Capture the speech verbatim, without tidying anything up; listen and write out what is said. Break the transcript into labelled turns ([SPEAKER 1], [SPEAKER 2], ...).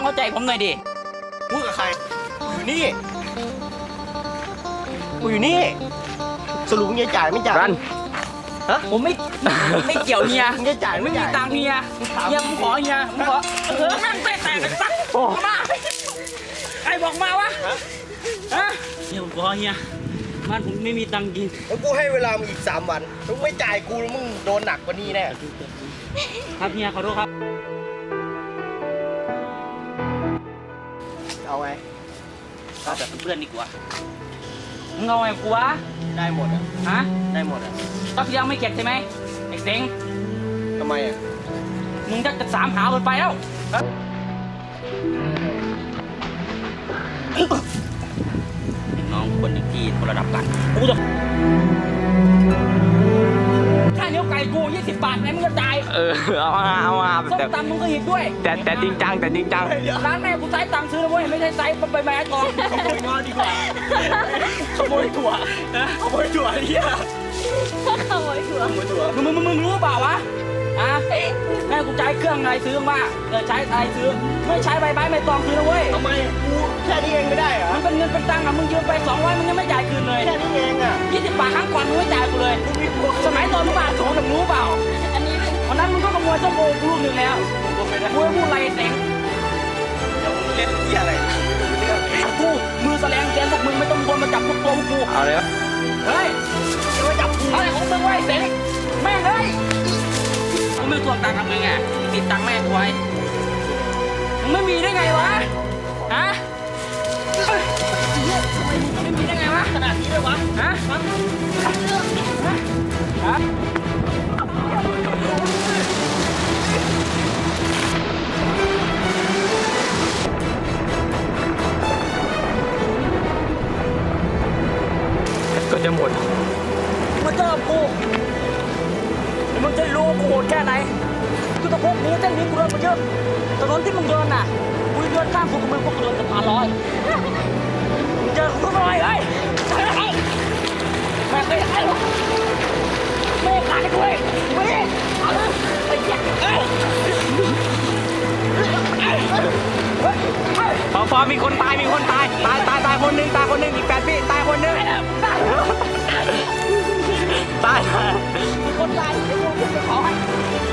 [SPEAKER 1] เข้าใจผมหน่อยดิ
[SPEAKER 2] พูดกับใครอยู่นี่กูอยู่นี่สรุปมึงจะจ่ายไม่จ่ายฮะ
[SPEAKER 1] ผมไม่ไม่เกี่ยวเฮีย
[SPEAKER 2] มึงจะจ่าย
[SPEAKER 1] ไม่มีตังค์เฮียเฮียมึงขอเฮียมึงขอเออแม่งแตกแตกสักมาใครบอกมาวะฮะเฮียผมขอเฮียมันผมไม่มีตังค์กิน
[SPEAKER 2] แล้วกูให้เวลามึงอีกสามวันถ้ามึงไม่จ่ายกูแล้วมึงโดนหนักกว่านี้แน่
[SPEAKER 1] ครับเฮียขอโทษครับ
[SPEAKER 2] เอาไง
[SPEAKER 1] เอาแบบเพื่อนดีกว่ามึงเอาไงกูวะ
[SPEAKER 2] ได้หมดอ่ะ
[SPEAKER 1] ฮะ
[SPEAKER 2] ได้หมดอ่ะ
[SPEAKER 1] รอบที่แล้วไม่เก็บใช่ไหมไอ้เซ็ง
[SPEAKER 2] ทำไมอ่ะ
[SPEAKER 1] มึงจะจะสามหาคนไปแล้วน้องคนหนึ่งที่คนระดับกันกูจะค่าเนื้อไก่กูยี่สิบบาทไหนมึงจะจ่าย
[SPEAKER 3] เออเอามาเอามา
[SPEAKER 1] ส้มตำมึงก็หิบด้วย
[SPEAKER 3] แต่แต่จริงจังแต่จริงจัง
[SPEAKER 1] ร้านแม่กูใช้ตังค์ซื้อนะเว้ยไม่ใช่ใช้ใบไม้ทอง
[SPEAKER 2] ขโมยงอดีกว่าขโมยถั่วขโมยถั่วเฮีย
[SPEAKER 4] ขโมยถั่ว
[SPEAKER 2] ขโมยถั่ว
[SPEAKER 1] มึงมึงมึงรู้เปล่าวะอ่ะแม่กูใช้เครื่องอะไรซื้อมาเออใช้อะไรซื้อไม่ใช้ใบไม้ใบตองซื้อนะเว้ย
[SPEAKER 2] ทำไมกูแค่นี้เองไม่ได้เหรอ
[SPEAKER 1] มันเป็นเงินเป็นตังค์อะมึงยืมไปสองร้อยมึงยังไม่จ่ายคืนเลย
[SPEAKER 2] แค่นี้เองอ่ะ
[SPEAKER 1] ยี่สิบบาทครั้งก่อนมึงไม่จ่ายกูเลยสมัยตอนมึงมาสองมึงรู้เปล่า
[SPEAKER 4] อันนี้
[SPEAKER 1] วันนั้นมึงก็ขโมยส้มโอกูลูกหนึ่งแล้วกูไม่ได้พูดอะไรเต็ง
[SPEAKER 2] เล่นเหี้ยอะไร
[SPEAKER 1] กูมือแสลงแกนพวกมึงไม่ต้องวนมาจับพวกตัวพวกกู
[SPEAKER 3] เอาเลย
[SPEAKER 1] เฮ้ยจะมาจับอะไรของมึงไว้เต็งแม่งเฮ้ยกูไม่ทวงตังค์ทำไงไงติดตังค์แม่กูไว้มึงไม่มีได้ไงวะฮะไม่มีได้ไงวะขนาดนี้เลยวะฮะฮะ
[SPEAKER 3] ก็จะหมด
[SPEAKER 1] มาเจอกูมึงจะรู้กูโหดแค่ไหนกูตะพกนี้เส้นนี้กูเดินมาเยอะถนนที่มึงเดินน่ะกูเดินข้ามกูกับมึงพวกกูเดินสะพานลอยเจอกูหน่อยเฮ้ยแม่ไม่ได้หรอกไม่ขายด้วยไม่ได้เอาเลยไอ้เหี้ย
[SPEAKER 3] พอพอมีคนตายมีคนตายตายตายตายคนหนึ่งตายคนหนึ่งอีกแปดพี่ตายคนหนึ่งตาย
[SPEAKER 1] มีคนตายเดี๋ยวกูจะขอให้